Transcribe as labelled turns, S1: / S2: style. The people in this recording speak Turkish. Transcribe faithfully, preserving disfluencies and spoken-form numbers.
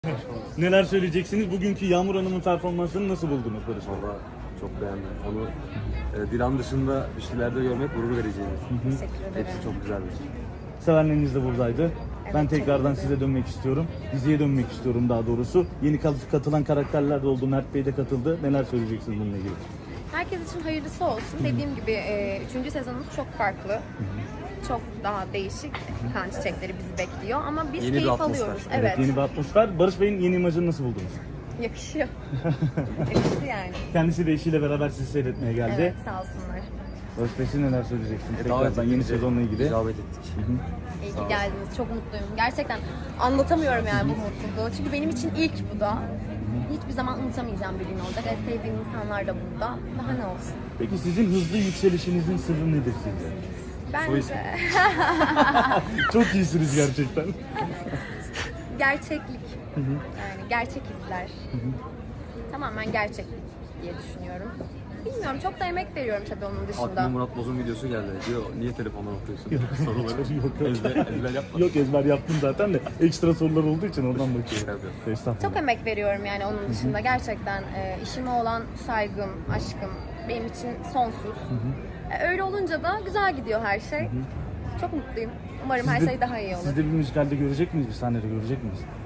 S1: Neler söyleyeceksiniz? Bugünkü Yağmur Hanım'ın performansını nasıl buldunuz Barış Bey?
S2: Valla çok beğendim. Onu e, Dilan dışında bir şeylerde görmek gurur vericiydi.
S3: Teşekkür ederim.
S2: Hepsi çok güzeldi.
S1: Sevenleriniz de buradaydı.
S3: Evet,
S1: Ben
S3: çok
S1: tekrardan
S3: iyiydi.
S1: size dönmek istiyorum. Diziye dönmek istiyorum daha doğrusu. Yeni kat- katılan karakterler de oldu. Mert Bey de katıldı. Neler söyleyeceksiniz bununla ilgili?
S3: Herkes için hayırlısı olsun. Dediğim gibi e, üçüncü sezonumuz çok farklı. Çok daha değişik kan çiçekleri bizi bekliyor ama biz
S2: Yeni bir
S3: keyif
S2: atmosfer.
S3: alıyoruz.
S1: Evet,
S3: Evet,
S1: yeni bir atmosfer. Barış Bey'in yeni imajını nasıl buldunuz?
S3: yakışıyor. Yakıştı yani.
S1: Kendisi de eşiyle beraber sizi seyretmeye geldi.
S3: Evet, sağ olsunlar.
S1: Barış Bey siz neler söyleyeceksiniz?
S2: E, davet
S1: Tekrardan yeni
S2: edildi,
S1: sezonla ilgili.
S2: icabet ettik.
S3: İyi ki geldiniz. Çok mutluyum. Gerçekten anlatamıyorum yani bu mutluluğu. Çünkü benim için ilk bu da. Hiçbir zaman unutamayacağım bir gün olacak. En sevdiğim insanlar da burada. Daha ne olsun?
S1: Peki sizin hızlı yükselişinizin sırrı nedir sizce?
S3: Bence
S1: Çok iyisiniz gerçekten.
S3: gerçeklik. Yani gerçek hisler. Tamamen gerçeklik diye düşünüyorum. Bilmiyorum, çok da emek veriyorum tabii onun dışında.
S2: Aklıma Murat Boz'un videosu geldi. Diyor niye telefondan okuyorsun? Soruları.
S1: Yok, yok.
S2: Ezber, ezber yapma.
S1: Yok ezber yaptım zaten de ekstra sorular olduğu için oradan bakıyorum.
S2: Tabii.
S1: Estağfurullah.
S3: Çok emek veriyorum yani onun dışında. Gerçekten e, işime olan saygım, aşkım benim için sonsuz. E, öyle olunca da güzel gidiyor her şey. Çok mutluyum. Umarım her
S1: Siz de-
S3: şey daha iyi olur.
S1: Siz de bir müzikalde görecek miyiz? Bir sahnede görecek miyiz?